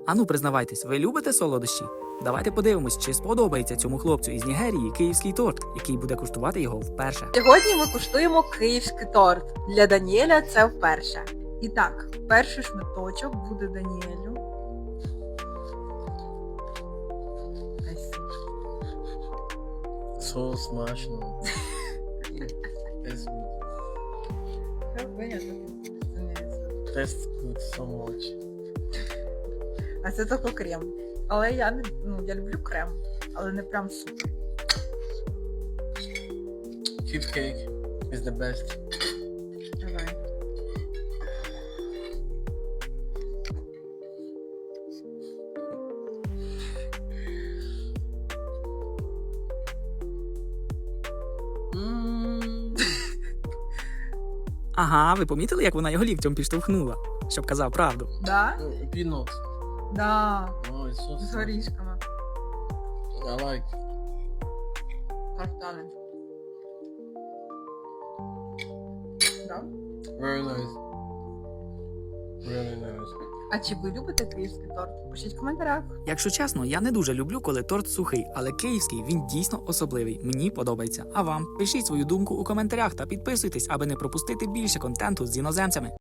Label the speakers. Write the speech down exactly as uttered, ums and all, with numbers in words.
Speaker 1: Ану, признавайтесь, ви любите солодощі? Давайте подивимось, чи сподобається цьому хлопцю із Нігерії київський торт, який буде куштувати його вперше.
Speaker 2: Сьогодні ми куштуємо київський торт. Для Даніеля це вперше. І так, перший шматочок буде Даніелю. Ось.
Speaker 3: So смачно. It's tastes good so much.
Speaker 2: А це тільки крем. Але я не ну, я люблю крем, але не прям супер.
Speaker 3: Cube cake is the best.
Speaker 2: Давай.
Speaker 3: Mm.
Speaker 1: Ага, ви помітили, як вона його ліктем підштовхнула, щоб казав правду?
Speaker 2: Да?
Speaker 3: Peanut.
Speaker 2: Да.
Speaker 3: Oh, it's so
Speaker 2: З
Speaker 3: sweet.
Speaker 2: горішками.
Speaker 3: I like.
Speaker 2: Каштани. Да?
Speaker 3: Very nice. Really nice.
Speaker 2: А чи ви любите київський торт? Пишіть в коментарях.
Speaker 1: Якщо чесно, я не дуже люблю, коли торт сухий, але київський він дійсно особливий. Мені подобається. А вам? Пишіть свою думку у коментарях та підписуйтесь, аби не пропустити більше контенту з іноземцями.